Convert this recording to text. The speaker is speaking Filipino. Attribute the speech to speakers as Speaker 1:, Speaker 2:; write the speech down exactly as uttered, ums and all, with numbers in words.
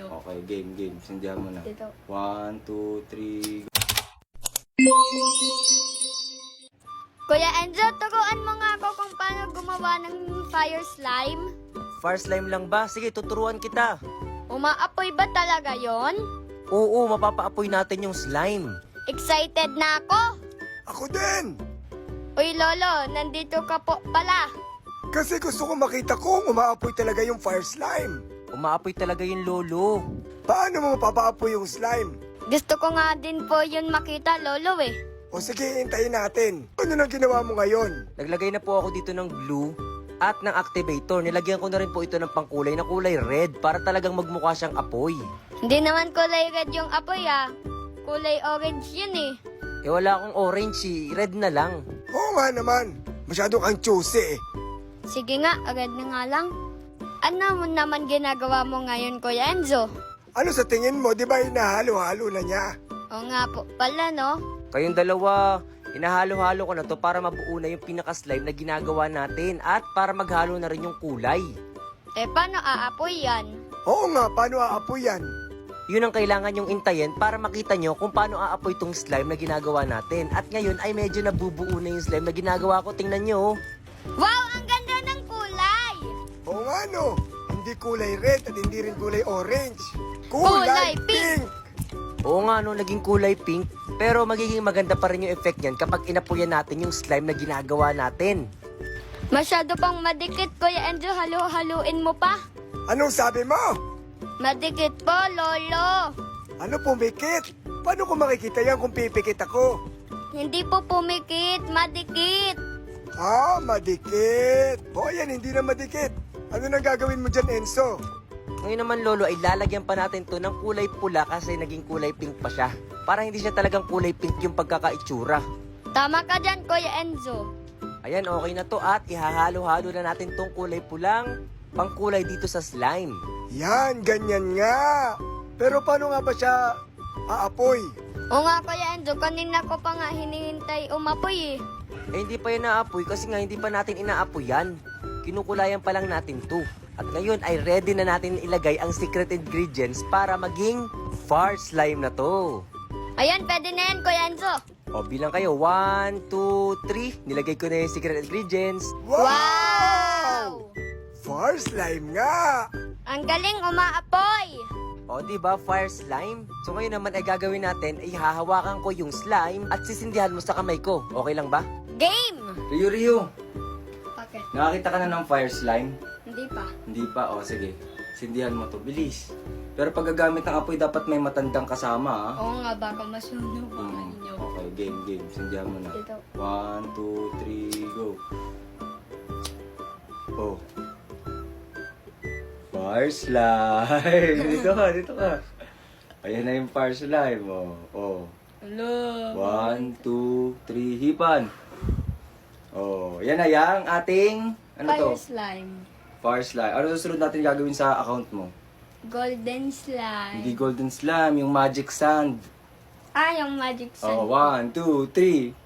Speaker 1: Okay, game, game. Sindihan mo na.
Speaker 2: Dito.
Speaker 1: One, two, three, go.
Speaker 2: Kuya Enzo, turuan mo nga ako kung paano gumawa ng fire slime.
Speaker 3: Fire slime lang ba? Sige, tuturuan kita.
Speaker 2: Umaapoy ba talaga yon?
Speaker 3: Oo, mapapaapoy natin yung slime.
Speaker 2: Excited na ako.
Speaker 4: Ako din!
Speaker 2: Uy, Lolo, nandito ka po pala.
Speaker 4: Kasi gusto ko makita kung umaapoy talaga yung fire slime.
Speaker 3: Umaapoy talaga yung lolo.
Speaker 4: Paano mo mapapaapoy yung slime?
Speaker 2: Gusto ko nga din po yun makita, Lolo eh.
Speaker 4: O sige, hintayin natin. Ano nang ginawa mo ngayon?
Speaker 3: Naglagay na po ako dito ng glue at ng activator. Nilagyan ko na rin po ito ng pangkulay na kulay red para talagang magmukha siyang apoy.
Speaker 2: Hindi naman kulay red yung apoy ah. Kulay orange yun eh.
Speaker 3: Eh wala akong orange eh. Red na lang.
Speaker 4: Oo nga naman. Masyado kang choosy eh.
Speaker 2: Sige nga, red na nga lang. Ano mo naman ginagawa mo ngayon, Kuya Enzo?
Speaker 4: Ano sa tingin mo, di ba hinahalo-halo na niya?
Speaker 2: O nga po pala, no?
Speaker 3: Kayong dalawa, inahalo-halo ko na to para mabuo na yung pinaka-slime na ginagawa natin at para maghalo na rin yung kulay.
Speaker 2: Eh, paano aapoy yan?
Speaker 4: Oo nga, paano aapoy yan?
Speaker 3: Yun ang kailangan yung intayin para makita nyo kung paano aapoy tong slime na ginagawa natin. At ngayon ay medyo nabubuo na yung slime na ginagawa ko. Tingnan nyo.
Speaker 2: Wow, ang ganda ng kulay!
Speaker 4: Oo nga no, hindi kulay red at hindi rin kulay orange.
Speaker 2: Kulay
Speaker 4: Kulay,
Speaker 2: pink.
Speaker 4: pink!
Speaker 3: Oo nga no, naging kulay pink. Pero magiging maganda pa rin yung effect niyan kapag inapuyan natin yung slime na ginagawa natin.
Speaker 2: Masyado pang madikit, Kuya Enzo. Halo-haluin mo pa.
Speaker 4: Anong sabi mo?
Speaker 2: Madikit po, Lolo.
Speaker 4: Ano pumikit? Paano ko makikita yan kung pipikit ako?
Speaker 2: Hindi po pumikit, madikit.
Speaker 4: Ah, madikit. O yan, hindi na madikit. Ano nang gagawin mo dyan, Enzo?
Speaker 3: Ngayon naman lolo ay lalagyan pa natin to ng kulay pula kasi naging kulay pink pa siya. Para hindi siya talagang kulay pink yung pagkakaitsura.
Speaker 2: Tama ka dyan, Kuya Enzo.
Speaker 3: Ayan, okay na to at ihahalo-halo na natin tong kulay pulang pangkulay dito sa slime.
Speaker 4: Yan, ganyan nga. Pero paano nga ba siya aapoy?
Speaker 2: O nga, Kuya Enzo, kanina ko pa nga hinihintay umapoy eh.
Speaker 3: Eh hindi pa yan naapoy kasi nga hindi pa natin inaapoy yan. Kinukulayan pa lang natin to. At ngayon ay ready na natin ilagay ang secret ingredients para maging fire slime na to.
Speaker 2: Ayan, pwede na yan, Kuya Enzo.
Speaker 3: O bilang kayo, one, two, three. Nilagay ko na yung secret ingredients.
Speaker 2: Wow!
Speaker 4: Fire slime nga!
Speaker 2: Ang galing umaapoy.
Speaker 3: O di ba fire slime? So ngayon naman ay gagawin natin ay hahawakan ko yung slime at sisindihan mo sa kamay ko. Okay lang ba?
Speaker 2: Game!
Speaker 1: Ryu, Ryu.
Speaker 2: Okay.
Speaker 1: Nakakita ka na ng fire slime?
Speaker 2: Hindi pa.
Speaker 1: Hindi pa. O, sige. Sindihan mo to. Bilis. Pero pag gagamit ng apoy, dapat may matandang kasama, ha?
Speaker 2: Oo nga, baka masunog ang
Speaker 1: Hmm.
Speaker 2: inyo.
Speaker 1: Okay, game, game. Sindihan mo na.
Speaker 2: Dito.
Speaker 1: One, two, three, go. Oh. Fire slime. Dito ka, dito ka. Ayan na yung fire slime, oh. Oh.
Speaker 2: Hello.
Speaker 1: One, two, three, hipan. Oh, yan na yang ating, ano to?
Speaker 2: Fire slime.
Speaker 1: Fire slime. Ano susunod natin gagawin sa account mo?
Speaker 2: Golden slime.
Speaker 1: Hindi golden slime, yung magic sand.
Speaker 2: Ah, yung magic sand.
Speaker 1: Oh, one, two, three.